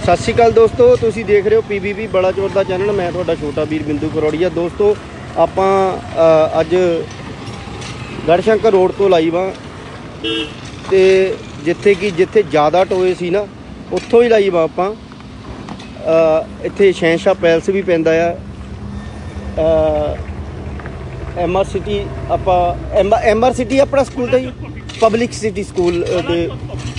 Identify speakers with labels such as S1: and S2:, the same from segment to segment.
S1: ਸਤਿ ਸ਼੍ਰੀ ਅਕਾਲ ਦੋਸਤੋ, ਤੁਸੀਂ ਦੇਖ ਰਹੇ ਹੋ PBB ਬਲਾਚੌਰ ਦਾ ਚੈਨਲ। ਮੈਂ ਤੁਹਾਡਾ ਛੋਟਾ ਵੀਰ ਬਿੰਦੂ ਕਰੋੜੀਆ। ਦੋਸਤੋ ਆਪਾਂ ਅੱਜ ਗੜਸ਼ੰਕਰ ਰੋਡ ਤੋਂ ਲਾਈਵ ਆ ਤੇ ਜਿੱਥੇ ਜ਼ਿਆਦਾ ਟੋਏ ਸੀ ਨਾ ਉੱਥੋਂ ਹੀ ਲਾਈਵ ਆ ਆਪਾਂ। ਇੱਥੇ ਸ਼ਹਿਨਸ਼ਾਹ ਪੈਲਸ ਵੀ ਪੈਂਦਾ ਆ, MR ਸਿਟੀ ਆਪਾਂ MR ਸਿਟੀ ਆਪਣਾ ਸਕੂਲ ਦਾ ਹੀ ਪਬਲਿਕ ਸਿਟੀ ਸਕੂਲ ਦੇ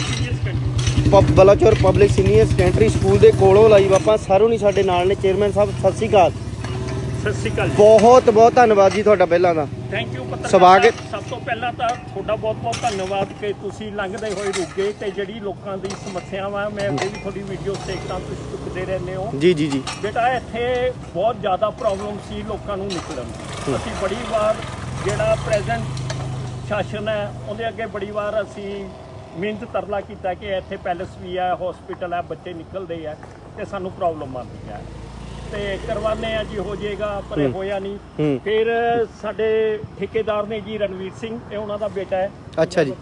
S1: Balachaur public senior secondary school ਦੇ ਕੋਲੋਂ ਲਾਈਵ ਆਪਾਂ। ਸਾਰੋਂ ਨਹੀਂ ਸਾਡੇ ਨਾਲ ਨੇ ਚੇਅਰਮੈਨ ਸਾਹਿਬ। ਸਤਿ ਸ਼੍ਰੀ ਅਕਾਲ।
S2: ਸਤਿ ਸ਼੍ਰੀ ਅਕਾਲ।
S1: ਬਹੁਤ ਬਹੁਤ ਧੰਨਵਾਦ ਜੀ ਤੁਹਾਡਾ ਪਹਿਲਾਂ ਦਾ।
S2: ਥੈਂਕ ਯੂ
S1: ਸਵਾਗਤ।
S2: ਸਭ ਤੋਂ ਪਹਿਲਾਂ ਤਾਂ ਤੁਹਾਡਾ ਬਹੁਤ ਧੰਨਵਾਦ ਕਿ ਤੁਸੀਂ ਲੰਘਦੇ ਹੋਏ ਰੁਕੇ ਤੇ ਜਿਹੜੀ ਲੋਕਾਂ ਦੀ ਸਮੱਸਿਆਵਾਂ ਮੈਂ ਅੱਗੇ ਵੀ ਤੁਹਾਡੀ ਵੀਡੀਓ ਦੇਖਦਾ ਤੁਸੀਂ ਚੁੱਕਦੇ ਰਹਿੰਦੇ ਹੋ।
S1: ਜੀ ਜੀ ਜੀ
S2: ਬੇਟਾ ਇੱਥੇ ਬਹੁਤ ਜ਼ਿਆਦਾ ਪ੍ਰੋਬਲਮ ਸੀ ਲੋਕਾਂ ਨੂੰ ਨਿਕਲਣ। ਅਸੀਂ ਬੜੀ ਵਾਰ ਜਿਹੜਾ ਪ੍ਰੈਜ਼ੈਂਟ ਸ਼ਾਸਨ ਹੈ ਉਹਦੇ ਅੱਗੇ ਬੜੀ ਵਾਰ ਅਸੀਂ ਮਿਹਨਤ ਤਰਲਾ ਕੀਤਾ ਕਿ ਇੱਥੇ ਪੈਲਸ ਵੀ ਹੈ, ਹਸਪੀਟਲ ਹੈ, ਬੱਚੇ ਨਿਕਲਦੇ ਆ ਤੇ ਸਾਨੂੰ ਪ੍ਰੋਬਲਮ ਆਉਂਦੀ ਹੈ ਤੇ ਕਰਵਾਨੇ ਆ ਜੀ, ਹੋ ਜਾਏਗਾ, ਪਰ ਇਹ ਹੋਇਆ ਨਹੀਂ। ਫਿਰ ਸਾਡੇ ਠੇਕੇਦਾਰ ਨੇ ਜੀ ਰਣਵੀਰ ਸਿੰਘ, ਇਹ ਉਹਨਾਂ ਦਾ ਬੇਟਾ ਹੈ।
S1: ਅੱਛਾ ਜੀ,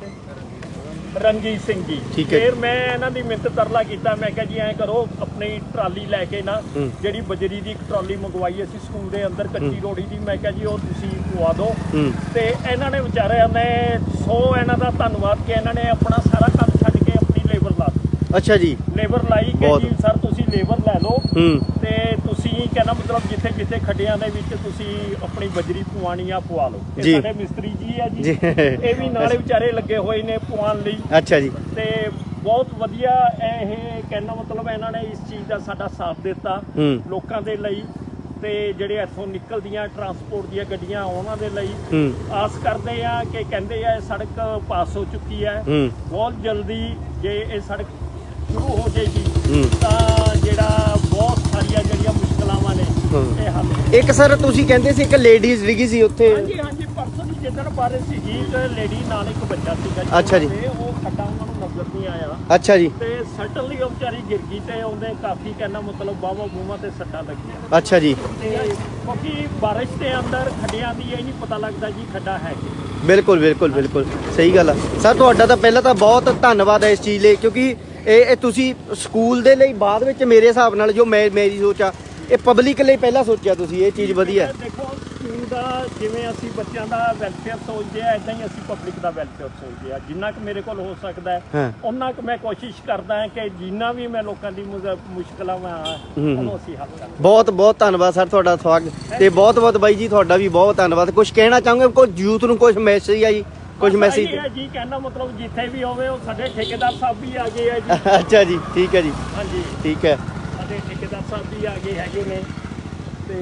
S2: ਰਣਜੀਤ ਸਿੰਘ ਜੀ। ਫਿਰ ਮੈਂ ਇਹਨਾਂ ਦੀ ਮਿਹਨਤ ਤਰਲਾ ਕੀਤਾ, ਮੈਂ ਕਿਹਾ ਜੀ ਐਂ ਕਰੋ ਆਪਣੀ ਟਰਾਲੀ ਲੈ ਕੇ ਨਾ, ਜਿਹੜੀ ਬਜਰੀ ਦੀ ਇੱਕ ਟਰਾਲੀ ਮੰਗਵਾਈ ਅਸੀਂ ਸਕੂਲ ਦੇ ਅੰਦਰ ਕੱਚੀ ਰੋੜੀ ਦੀ, ਮੈਂ ਕਿਹਾ ਜੀ ਉਹ ਤੁਸੀਂ ਪਵਾ ਦਿਓ। ਤੇ ਇਹਨਾਂ ਨੇ ਵਿਚਾਰਿਆਂ ਨੇ ਇਹਨਾਂ ਦਾ ਧੰਨਵਾਦ ਕਿ ਇਹਨਾਂ ਨੇ ਆਪਣਾ ਸਾਰਾ ਕੰਮ ਛੱਡ ਕੇ ਆਪਣੀ ਲੇਬਰ ਲਾ ਦਿੱਤੀ।
S1: ਅੱਛਾ ਜੀ,
S2: ਲੇਬਰ ਲਾਈ ਕਿ ਜੀ ਸਰ ਤੁਸੀਂ ਲੇਬਰ ਲੈ ਲਓ ਤੇ ਤੁਸੀਂ ਕਹਿੰਦਾ ਮਤਲਬ ਜਿੱਥੇ ਖੱਡਿਆਂ ਦੇ ਵਿੱਚ ਤੁਸੀਂ ਆਪਣੀ ਬਜਰੀ ਪਵਾਣੀ ਆ ਪਵਾ ਲਓ। ਇਹ ਸਾਡੇ ਮਿਸਤਰੀ ਜੀ ਆ ਜੀ, ਇਹ ਵੀ ਨਾਲੇ ਵਿਚਾਰੇ ਲੱਗੇ ਹੋਏ ਨੇ ਪਵਾਉਣ ਲਈ। ਅੱਛਾ ਜੀ। ਤੇ ਬਹੁਤ ਵਧੀਆ ਇਹ ਕਹਿਣਾ ਮਤਲਬ ਇਹਨਾਂ ਨੇ ਇਸ ਚੀਜ਼ ਦਾ ਸਾਡਾ ਸਾਥ ਦਿੱਤਾ ਲੋਕਾਂ ਦੇ ਲਈ ਤੇ ਜਿਹੜੇ ਇੱਥੋਂ ਨਿਕਲਦੀਆਂ ਟਰਾਂਸਪੋਰਟ ਦੀਆਂ ਗੱਡੀਆਂ ਉਹਨਾਂ ਦੇ ਲਈ। ਆਸ ਕਰਦੇ ਆ ਕਿ ਕਹਿੰਦੇ ਆ ਸੜਕ ਪਾਸ ਹੋ ਚੁੱਕੀ ਹੈ, ਬਹੁਤ ਜਲਦੀ ਜੇ ਇਹ ਸੜਕ ਸ਼ੁਰੂ ਹੋ ਜਾਏਗੀ ਤਾਂ ਜਿਹੜਾ ਬਹੁਤ ਸਾਰੀਆਂ ਜਿਹੜੀਆਂ ਮੁਸ਼ਕਲਾਵਾਂ ਨੇ ਇਹ ਹੱਲ। ਇੱਕ
S1: ਸਰ ਤੁਸੀਂ ਕਹਿੰਦੇ ਸੀ ਇੱਕ ਲੇਡੀਜ਼ ਡਿੱਗੀ ਸੀ ਉੱਥੇ।
S2: ਹਾਂਜੀ ਹਾਂਜੀ, ਪਰਸੋਂ ਦੀ ਜਿੱਦਣ ਬਾਰੇ ਸੀਗੀ, ਲੇਡੀ ਨਾਲ ਇੱਕ ਬੱਚਾ ਸੀਗਾ ਜੀ।
S1: ਅੱਛਾ ਜੀ।
S2: ਉਹ ਖੱਡਾ ਉਹਨਾਂ ਨੂੰ ਨਜ਼ਰ ਨਹੀਂ ਆਇਆ।
S1: ਅੱਛਾ ਜੀ।
S2: ਤੇ ਸਟਨਲੀ ਉਹ ਵਿਚਾਰੀ ਗਿਰ ਗਈ ਤੇ ਉਹਦੇ ਕਾਫੀ ਕਹਿਣਾ ਮਤਲਬ ਬਾਹਾਂ ਬੂਹਾਂ ਤੇ ਸੱਟਾਂ ਲੱਗੀਆਂ।
S1: ਅੱਛਾ ਜੀ।
S2: ਤੇ ਕਿਉਂਕਿ ਬਾਰਿਸ਼ ਦੇ ਅੰਦਰ ਖੱਡਿਆਂ ਦੀ ਇਹ ਨਹੀਂ ਪਤਾ ਲੱਗਦਾ ਜੀ ਖੱਡਾ ਹੈ ਕਿ।
S1: ਬਿਲਕੁਲ ਬਿਲਕੁਲ ਬਿਲਕੁਲ ਸਹੀ ਗੱਲ ਆ ਸਰ। ਤੁਹਾਡਾ ਤਾਂ ਪਹਿਲਾਂ ਤਾਂ ਬਹੁਤ ਧੰਨਵਾਦ ਹੈ ਇਸ ਚੀਜ਼ ਲਈ, ਕਿਉਂਕਿ ਇਹ ਤੁਸੀਂ ਸਕੂਲ ਦੇ ਲਈ ਬਾਅਦ ਵਿੱਚ ਮੇਰੇ ਹਿਸਾਬ ਨਾਲ ਜੋ ਮੇਰੀ ਸੋਚ ਆ, ਇਹ ਪਬਲਿਕ ਲਈ ਪਹਿਲਾਂ ਸੋਚਿਆ ਤੁਸੀਂ, ਇਹ ਚੀਜ਼ ਵਧੀਆ।
S2: ਦੇਖੋ ਸਕੂਲ ਦਾ ਜਿਵੇਂ ਅਸੀਂ ਬੱਚਿਆਂ ਦਾ ਵੈਲਫੇਅਰ ਸੋਚਦੇ ਆ, ਇਦਾਂ ਹੀ ਅਸੀਂ ਪਬਲਿਕ ਦਾ ਵੈਲਫੇਅਰ ਸੋਚਦੇ ਆ। ਜਿੰਨਾ ਕੁ ਮੇਰੇ ਕੋਲ ਹੋ ਸਕਦਾ ਹੈ ਉਹਨਾਂ ਕੁ ਮੈਂ ਕੋਸ਼ਿਸ਼ ਕਰਦਾ ਹਾਂ ਕਿ ਜਿੰਨਾ ਵੀ ਮੈਂ ਲੋਕਾਂ ਦੀ ਮੁਸ਼ਕਲਾਂ ਉਹਨੂੰ ਅਸੀਂ ਹੱਲ ਕਰਾਂ। ਬਹੁਤ
S1: ਬਹੁਤ ਧੰਨਵਾਦ ਸਰ ਤੁਹਾਡਾ ਸਵਾਗਤ। ਤੇ ਬਹੁਤ ਬਹੁਤ ਬਾਈ ਜੀ ਤੁਹਾਡਾ ਵੀ ਬਹੁਤ ਧੰਨਵਾਦ। ਕੁਝ ਕਹਿਣਾ ਚਾਹੋਗੇ ਕੋਈ ਯੂਥ ਨੂੰ, ਕੁਝ ਮੈਸੇਜ ਆ ਜੀ? ਕੁਝ ਮੈਸੇਜ
S2: ਹੈ ਜੀ ਕਹਿਣਾ ਮਤਲਬ ਜਿੱਥੇ ਵੀ ਹੋਵੇ ਉਹ ਸਾਡੇ ਠੇਕੇਦਾਰ ਸਾਹਿਬ ਵੀ ਆ ਗਏ ਆ ਜੀ।
S1: ਅੱਛਾ ਜੀ, ਠੀਕ ਹੈ ਜੀ।
S2: ਹਾਂਜੀ
S1: ਠੀਕ ਹੈ,
S2: ਸਾਡੇ ਠੇਕੇਦਾਰ ਸਾਹਿਬ ਵੀ ਆ ਗਏ ਹੈਗੇ ਨੇ ਤੇ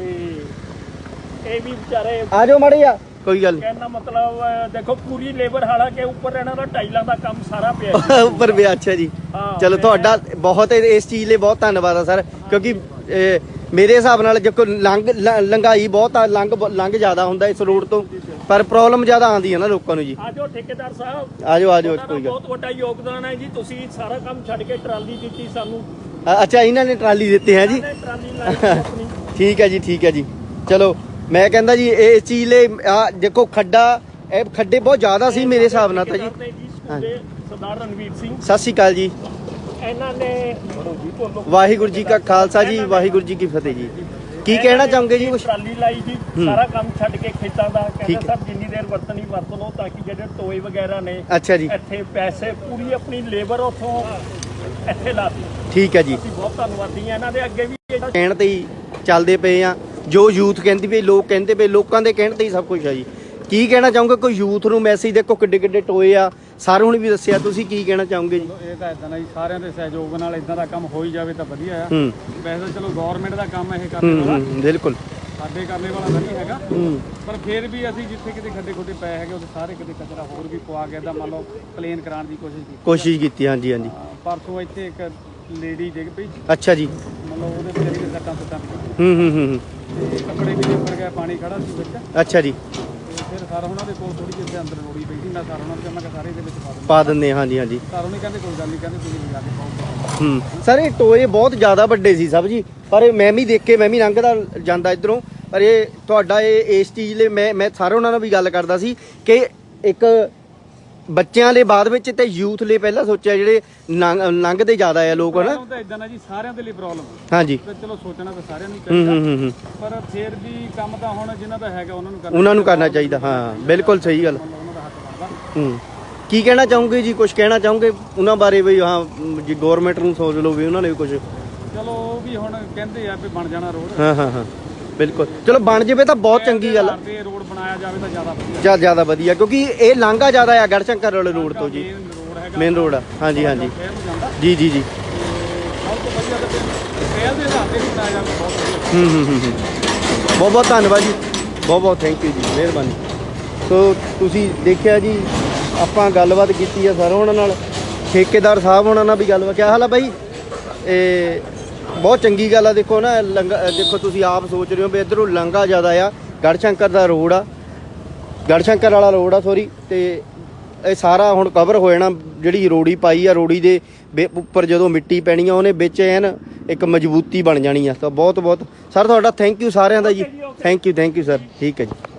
S2: ਇਹ ਵੀ ਵਿਚਾਰੇ
S1: ਆ ਜਾਓ ਮਾੜੇ ਆ, ਕੋਈ ਗੱਲ ਨਹੀਂ।
S2: ਕਹਿਣਾ ਮਤਲਬ ਦੇਖੋ ਪੂਰੀ ਲੇਬਰ, ਹਾਲਾਂਕਿ ਉੱਪਰ ਇਹਨਾਂ ਦਾ ਟਾਈਲਾਂ ਦਾ ਕੰਮ ਸਾਰਾ ਪਿਆ
S1: ਉੱਪਰ ਪਿਆ। ਅੱਛਾ ਜੀ, ਚਲੋ ਤੁਹਾਡਾ ਬਹੁਤ ਇਸ ਚੀਜ਼ ਲਈ ਬਹੁਤ ਧੰਨਵਾਦ ਆ ਸਰ, ਕਿਉਂਕਿ ਮੇਰੇ ਹਿਸਾਬ ਨਾਲ ਦੇਖੋ ਲੰਘਾਈ ਬਹੁਤ ਆ, ਲੰਘ ਜ਼ਿਆਦਾ ਹੁੰਦਾ ਇਸ ਰੋਡ ਤੋਂ, ਪਰ ਪ੍ਰੋਬਲਮ ਜ਼ਿਆਦਾ ਆਉਂਦੀ ਹੈ ਨਾ ਲੋਕਾਂ ਨੂੰ ਜੀ।
S2: ਆਜੋ ਠੇਕੇਦਾਰ ਸਾਹਿਬ,
S1: ਆਜੋ ਕੋਈ ਗੱਲ।
S2: ਬਹੁਤ ਵੱਡਾ ਯੋਗਦਾਨ ਹੈ ਜੀ, ਤੁਸੀਂ ਸਾਰਾ ਕੰਮ ਛੱਡ ਕੇ ਟਰਾਲੀ ਦਿੱਤੀ ਸਾਨੂੰ।
S1: ਅੱਛਾ, ਇਹਨਾਂ ਨੇ ਟਰਾਲੀ ਦਿੱਤੀ ਹੈ ਜੀ।
S2: ਟਰਾਲੀ ਲਾਈ ਆਪਣੀ। ਠੀਕ
S1: ਹੈ ਜੀ, ਠੀਕ ਹੈ ਜੀ। ਚਲੋ ਮੈਂ ਕਹਿੰਦਾ ਜੀ ਇਹ ਚੀਜ਼ ਲਈ ਦੇਖੋ ਇਹ ਖੱਡੇ ਬਹੁਤ ਜ਼ਿਆਦਾ ਸੀ ਮੇਰੇ ਹਿਸਾਬ ਨਾਲ ਤਾਂ ਜੀ।
S2: ਸਰਦਾਰ ਰਣਵੀਰ ਸਿੰਘ,
S1: ਸਤਿ ਸ਼੍ਰੀ ਅਕਾਲ ਜੀ।
S2: ਇਹਨਾਂ ਨੇ
S1: ਵਾਹਿਗੁਰੂ ਜੀ ਕਾ ਖਾਲਸਾ ਜੀ, ਵਾਹਿਗੁਰੂ ਜੀ ਕੀ ਫਤਿਹ ਜੀ। ਕੀ ਕਹਿਣਾ ਚਾਹੋਗੇ ਜੀ?
S2: ਟਰਾਲੀ ਲਾਈ ਜੀ, ਸਾਰਾ ਕੰਮ ਛੱਡ ਕੇ ਖੇਤਾਂ ਦਾ। ਕਹਿੰਦੇ ਸਭ ਜਿੰਨੀ ਦੇਰ ਵਰਤਣੀ ਵਰਤ ਲਓ ਤਾਂ ਕਿ ਜਿਹੜੇ ਟੋਏ ਵਗੈਰਾ ਨੇ
S1: ਅੱਛਾ ਜੀ
S2: ਇੱਥੇ ਪੈਸੇ ਪੂਰੀ ਆਪਣੀ ਲੇਬਰ ਉੱਥੋਂ ਇੱਥੇ ਲਾਤੀ।
S1: ਠੀਕ ਹੈ ਜੀ।
S2: ਅਸੀਂ ਬਹੁਤ ਧੰਨਵਾਦੀ ਆ ਇਹਨਾਂ ਦੇ। ਅੱਗੇ ਵੀ
S1: ਕਹਿਣ ਤੇ ਹੀ ਚੱਲਦੇ ਪਏ ਆ, ਜੋ ਯੂਥ ਕਹਿੰਦੀ ਪਈ, ਲੋਕ ਕਹਿੰਦੇ ਪਏ, ਲੋਕਾਂ ਦੇ ਕਹਿਣ ਤੇ ਹੀ ਸਭ ਕੁਝ ਆ ਜੀ। ਕੀ ਕਹਿਣਾ ਚਾਹੋਗੇ ਕੋਈ ਯੂਥ ਨੂੰ ਮੈਸੇਜ? ਦੇਖੋ ਕਿੱਡੇ ਕਿੱਡੇ ਟੋਏ ਆ, ਸਾਰੇ ਹੁਣ ਵੀ ਦੱਸਿਆ, ਤੁਸੀਂ ਕੀ ਕਹਿਣਾ ਚਾਹੋਗੇ ਜੀ?
S3: ਇਹ ਤਾਂ ਇਦਾਂ ਦਾ ਜੀ, ਸਾਰਿਆਂ ਦੇ ਸਹਿਯੋਗ ਨਾਲ ਇਦਾਂ ਦਾ ਕੰਮ ਹੋ ਹੀ ਜਾਵੇ ਤਾਂ ਵਧੀਆ ਆ। ਵੈਸੇ ਚਲੋ ਗਵਰਨਮੈਂਟ ਦਾ ਕੰਮ ਇਹ ਕਰਨੇ ਵਾਲਾ,
S1: ਬਿਲਕੁਲ
S3: ਸਾਡੇ ਕਰਨੇ ਵਾਲਾ ਤਾਂ ਨਹੀਂ ਹੈਗਾ, ਪਰ ਫਿਰ ਵੀ ਅਸੀਂ ਜਿੱਥੇ ਕਿਤੇ ਖੱਡੇ ਖੁੱਡੇ ਪਏ ਹੈਗੇ ਉਹਦੇ ਸਾਰੇ ਕਿਤੇ ਕਚਰਾ ਹੋਰ ਵੀ ਪਵਾ ਕੇ ਮੰਨ ਲਓ ਪਲੇਨ ਕਰਾਉਣ ਦੀ ਕੋਸ਼ਿਸ਼ ਕੀਤੀ। ਹਾਂਜੀ ਹਾਂਜੀ। ਪਰਸੋਂ ਇੱਥੇ ਇੱਕ ਲੇਡੀ ਡਿੱਗ ਪਈ।
S1: ਅੱਛਾ ਜੀ।
S3: ਮਤਲਬ ਉਹਦੇ ਵਿਚਾਰੀ ਦੇ ਸੱਟਾਂ ਸੁੱਟਾਂ
S1: ਤੇ
S3: ਕੱਪੜੇ ਵੀ ਉੱਪਰ ਗਿਆ, ਪਾਣੀ ਖੜਾ ਸੀ ਵਿੱਚ।
S1: ਅੱਛਾ ਜੀ।
S3: ਫਿਰ ਸਾਰਾ ਉਹਨਾਂ ਦੇ ਕੋਲ ਥੋੜੀ ਜਿਹੀ ਅੰਦਰ ਰੋੜੀ ਪਈ ਸੀ, ਮੈਂ ਸਾਰਾ ਉਹਨਾਂ ਨੂੰ ਕਿਹਾ ਸਾਰੇ ਇਹਦੇ ਵਿੱਚ
S1: ਪਾ ਦਿੰਦੇ। ਹਾਂਜੀ ਹਾਂਜੀ।
S3: ਸਾਰੋਂ ਨਹੀਂ ਕਹਿੰਦੇ ਕੋਈ ਗੱਲ ਨਹੀਂ, ਕਹਿੰਦੇ ਤੁਸੀਂ ਲਿਜਾ ਕੇ ਪਾਓ।
S1: ਸਰ ਇਹ ਟੋਏ ਬਹੁਤ ਜ਼ਿਆਦਾ ਵੱਡੇ ਸੀ ਸਭ ਜੀ, ਪਰ ਮੈਂ ਵੀ ਦੇਖ ਕੇ, ਮੈਂ ਵੀ ਲੰਘਦਾ ਜਾਂਦਾ ਇੱਧਰੋਂ, ਪਰ ਇਹ ਤੁਹਾਡਾ ਇਸ ਚੀਜ਼ ਲਈ ਮੈਂ ਸਾਰੇ ਉਹਨਾਂ ਨਾਲ ਵੀ ਗੱਲ ਕਰਦਾ ਸੀ ਕਿ ਇੱਕ ਬੱਚਿਆਂ ਦੇ ਬਾਅਦ ਵਿੱਚ ਤੇ ਯੂਥ ਲਈ ਪਹਿਲਾਂ ਸੋਚਿਆ, ਜਿਹੜੇ ਲੰਘਦੇ ਜ਼ਿਆਦਾ ਆ ਲੋਕ ਹਨਾ।
S3: ਤਾਂ ਇਦਾਂ ਨਾ ਜੀ, ਸਾਰਿਆਂ ਦੇ ਲਈ ਪ੍ਰੋਬਲਮ
S1: ਹਾਂਜੀ
S3: ਚਲੋ ਸੋਚਣਾ ਤਾਂ ਸਾਰਿਆਂ ਨੂੰ ਚਾਹੀਦਾ, ਪਰ ਫਿਰ ਵੀ ਕੰਮ ਤਾਂ ਹੁਣ ਜਿਨ੍ਹਾਂ ਦਾ ਹੈਗਾ ਉਹਨਾਂ ਨੂੰ
S1: ਕਰਨਾ ਚਾਹੀਦਾ। ਹਾਂ ਬਿਲਕੁਲ ਸਹੀ ਗੱਲ।
S3: ਉਹਨਾਂ ਦਾ ਹੱਕ ਬਣਦਾ।
S1: ਕੀ ਕਹਿਣਾ ਚਾਹੋਗੇ ਜੀ, ਕੁਝ ਕਹਿਣਾ ਚਾਹੋਗੇ ਉਹਨਾਂ ਬਾਰੇ ਵੀ? ਹਾਂ ਜੀ ਗਵਰਨਮੈਂਟ ਨੂੰ ਸੋਚ ਲਓ ਵੀ ਉਹਨਾਂ ਨੇ ਵੀ ਕੁਝ,
S3: ਚਲੋ ਉਹ ਵੀ ਹੁਣ ਕਹਿੰਦੇ ਆ ਵੀ ਬਣ ਜਾਣਾ ਰੋਡ।
S1: ਹਾਂ ਬਿਲਕੁਲ, ਚਲੋ ਬਣ ਜਾਵੇ ਤਾਂ ਬਹੁਤ ਚੰਗੀ ਗੱਲ ਆ।
S3: ਰੋਡ ਬਣਾਇਆ ਜਾਵੇ ਤਾਂ ਜ਼ਿਆਦਾ ਵਧੀਆ,
S1: ਜ਼ਿਆਦਾ ਵਧੀਆ, ਕਿਉਂਕਿ ਇਹ ਲਾਂਘਾ ਜ਼ਿਆਦਾ ਆ ਗੜਸ਼ੰਕਰ ਵਾਲੇ ਰੋਡ ਤੋਂ ਜੀ, ਮੇਨ ਰੋਡ ਆ। ਹਾਂਜੀ ਜੀ ਜੀ ਜੀ।
S3: ਸਭ ਤੋਂ ਵਧੀਆ ਤਾਂ ਟ੍ਰੇਲ ਦੇ ਹਿਸਾਬ ਤੇ ਵੀ ਬਣਾਇਆ ਜਾਵੇ, ਬਹੁਤ ਵਧੀਆ।
S1: ਬਹੁਤ ਬਹੁਤ ਧੰਨਵਾਦ ਜੀ, ਬਹੁਤ ਬਹੁਤ ਥੈਂਕ ਯੂ ਜੀ, ਮਿਹਰਬਾਨੀ। ਸੋ ਤੁਸੀਂ ਦੇਖਿਆ ਜੀ, ਆਪਾਂ ਗੱਲਬਾਤ ਕੀਤੀ ਆ ਸਰ ਉਹਨਾਂ ਨਾਲ, ਠੇਕੇਦਾਰ ਸਾਹਿਬ ਉਹਨਾਂ ਨਾਲ ਵੀ ਗੱਲਬਾਤ। ਕਿਆ ਹਾਲ ਆ ਬਾਈ? ਇਹ ਬਹੁਤ ਚੰਗੀ ਗੱਲ ਆ। ਦੇਖੋ ਨਾ ਦੇਖੋ ਤੁਸੀਂ ਆਪ ਸੋਚ ਰਹੇ ਹੋ ਵੀ ਇੱਧਰੋਂ ਲਾਂਘਾ ਜ਼ਿਆਦਾ ਆ, ਗੜਸ਼ੰਕਰ ਦਾ ਰੋਡ ਆ, ਗੜਸ਼ੰਕਰ ਵਾਲਾ ਰੋਡ ਆ ਸੋਰੀ, ਤੇ ਇਹ ਸਾਰਾ ਹੁਣ ਕਵਰ ਹੋ ਜਾਣਾ। ਜਿਹੜੀ ਰੋੜੀ ਪਾਈ ਆ, ਰੋੜੀ ਦੇ ਉੱਪਰ ਜਦੋਂ ਮਿੱਟੀ ਪੈਣੀ ਆ ਉਹਨੇ ਵਿੱਚ ਐਨ ਇੱਕ ਮਜ਼ਬੂਤੀ ਬਣ ਜਾਣੀ ਆ। ਤਾਂ ਬਹੁਤ ਬਹੁਤ ਸਰ ਤੁਹਾਡਾ ਥੈਂਕ ਯੂ ਸਾਰਿਆਂ ਦਾ ਜੀ, ਥੈਂਕ ਯੂ ਸਰ। ਠੀਕ ਹੈ ਜੀ।